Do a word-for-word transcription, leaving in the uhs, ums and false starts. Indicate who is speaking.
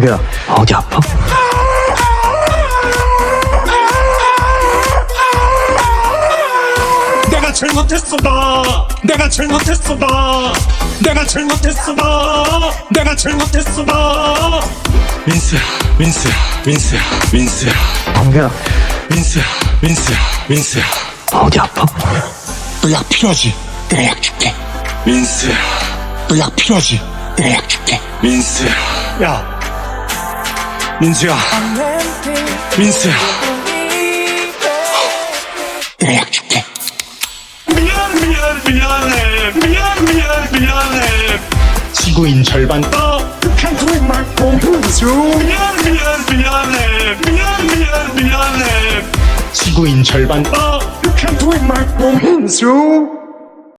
Speaker 1: 광규야, 어디 아파?
Speaker 2: 내가 잘못했어 나 내가 잘못했어 나 내가 잘못했어 나 내가 잘못했어 나 민수야 민수야 민수야 민수야
Speaker 1: 광규야,
Speaker 2: 민수야 민수야 민수야
Speaker 1: 어디 아파?
Speaker 2: 너 약 필요하지? 내가 약 줄게 민수야 너 약 필요하지? 내가 약 줄게 민수야 야 민수야 민수야 내가 약 줄게 미안 미안 미안해 미안 미안 미안해 지구인 절반 떠 You can't do it my home 미안 미안 미안해 미안 미안 미안해 지구인 절반 떠 You can't do it my home